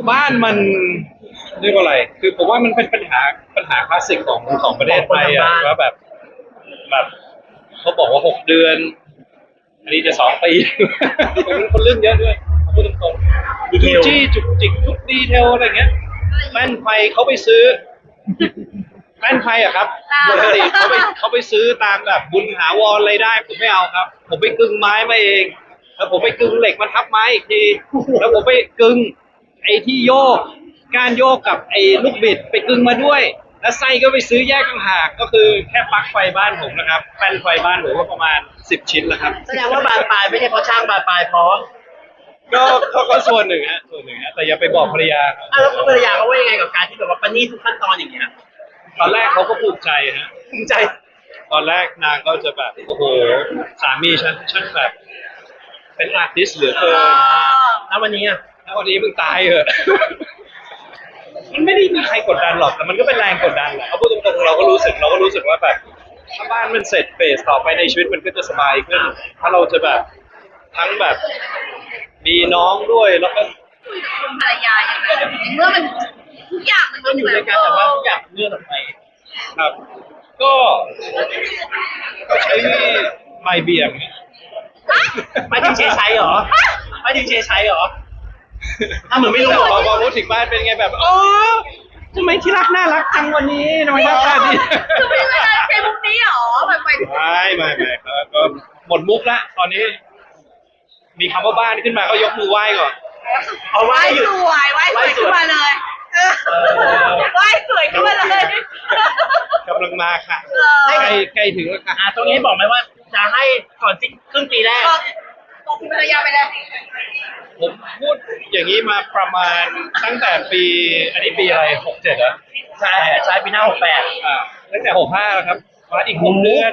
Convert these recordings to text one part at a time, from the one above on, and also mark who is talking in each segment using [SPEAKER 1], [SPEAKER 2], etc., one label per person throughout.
[SPEAKER 1] บ้านมันเรียกว่าอะไรคือผมว่ามันเป็นปัญหาคลาสสิกของประเทศไทยอะว่าแบบเขาบอกว่า6 เดือนอันนี้จะ2 ปีผมเป็นคนเรื่องเยอะด้วยพูดตรงๆดูจี้จุกจิกทุกดีเทลอะไรเงี้ยแป้นไฟเขาไปซื้อแป้นไฟอะครับปกติเขาไปซื้อตามแบบบุญหาวรอะไรได้ผมไม่เอาครับผมไปกึ่งไม้มาเองแล้วผมไปกึ่งเหล็กมาทับไม้อีกทีแล้วผมไปกึ่งไอ้ที่โยกก้านโยกกับไอ้ลูกบิดไปกึ่งมาด้วยแล้วไส้ก็ไปซื้อแยกต่างหากก็คือแค่ปลั๊กไฟบ้านผมนะครับแป้นไฟบ้านผมก็ประมาณ10 ชิ้นแล้วครับ
[SPEAKER 2] แสดงว่าบานปลายไม่ใช่เพราะช่างบานปลายเพราะ
[SPEAKER 1] ก็ส่วนหนึ่งฮะแต่อย่าไปบอกภรรยาครับ
[SPEAKER 2] แล้วภรรยาเขาว่ายังไงกับการที่แบบว่าประณีตทุกขั้นตอนอย่างเงี้ย
[SPEAKER 1] ตอนแรกเขาก็ภูมิใจฮะ
[SPEAKER 2] ภูมิใจ
[SPEAKER 1] ตอนแรกนางก็จะแบบโอ้โหสามีฉันช่างแบบเป็นอาร์ติสต์เหลือเกิน
[SPEAKER 2] แล้ววันนี้อ่ะ
[SPEAKER 1] แล้ววันนี้มึงตายเหอะ มันไม่ได้มีใครกดดันหรอกแต่มันก็เป็นแรงกดดันแหละเอาพูดตรงๆเราก็รู้สึกว่าแบบถ้าบ้านมันเสร็จเฟสต่อไปในชีวิตมันก็จะสบายขึ้นถ้าเราจะแบบทั้งแบบมีน้องด้วยแล้วก็
[SPEAKER 3] คุณภรรยาอย่างไรเมื่อมันทุกอย่างมัน
[SPEAKER 2] ก็อยู่ด้วยกันแต่ว่าทุกอย่างเลื่อนออกไป
[SPEAKER 1] ครับก็ใช้ไมค์เบี่ยง
[SPEAKER 2] ไม่ถึงเชยชัยเหรอไม่ถึงเชยชัยเหรอถ้าเหมือนไม่รู้หรอก
[SPEAKER 1] พอพูดถึงบ้านเป็นไงแบบอ๋อทำไมที่รักน่ารักจังวันนี้ทำไมหน้าตาดี
[SPEAKER 3] คือไม่ได้ใช้มุกนี้หรอแบบไป
[SPEAKER 1] ไม่ครับก็หมดมุกละตอนนี้ มีคำว่าบ้านขึ้นมาก็ยกมือไหว้ก่อน
[SPEAKER 2] เอา
[SPEAKER 3] ไห
[SPEAKER 2] ไว้
[SPEAKER 3] ว้
[SPEAKER 2] อยู่
[SPEAKER 3] สวยไหว้สวยขึ้นมาเลยไหว้สวยขึ้นมาเลย
[SPEAKER 1] กำลังมาค่ะใกล้ถึงแล้วค่ะ
[SPEAKER 2] ตรงนี้บอกไหมว่าจะให้ก่อนสิ้นครึ่งปีแรก
[SPEAKER 3] บอกคุณภรรยาไปเลย
[SPEAKER 1] ผมพูดอย่างนี้มาประมาณตั้งแต่ปีอันนี้ปีอะไร67เหรอ
[SPEAKER 2] ใช่ปีหน้า68
[SPEAKER 1] ตั้งแต่65แล้วครับมาอีก6 เดือน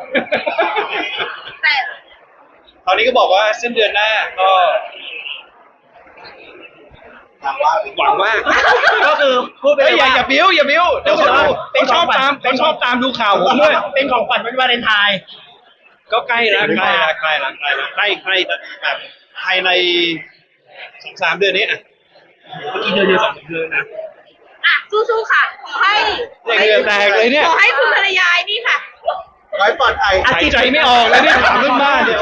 [SPEAKER 3] แต่
[SPEAKER 1] ตอนนี้ก็บอกว่าสิ้นเดือนหน้าก็หวังว่า
[SPEAKER 2] ก็คือพูดไป
[SPEAKER 1] เฮ้
[SPEAKER 2] เลย ย
[SPEAKER 1] อย่า
[SPEAKER 2] ว่า
[SPEAKER 1] บิ้วอย่าบิ้วเดี๋ยวเขาดูเขาชอบตามดูข่าวผมด้วย
[SPEAKER 2] เป็นของขวัญวันวาเลนไทน์
[SPEAKER 1] ก็ใกล้แล้วใกล้แบบภายใน2-3 เดือนนี้อ่ะเมื่อกี้เดือนเดียว2 เดือนนะ
[SPEAKER 3] สู้ๆค่ะขอให้
[SPEAKER 1] เหงื่อแตกเลยเนี่ย
[SPEAKER 3] ขอให้คุณภรรยานี่ค่ะ
[SPEAKER 1] หายใจไม่ออกเลยเนี่ยถามเรื่องบ้านเนี่ย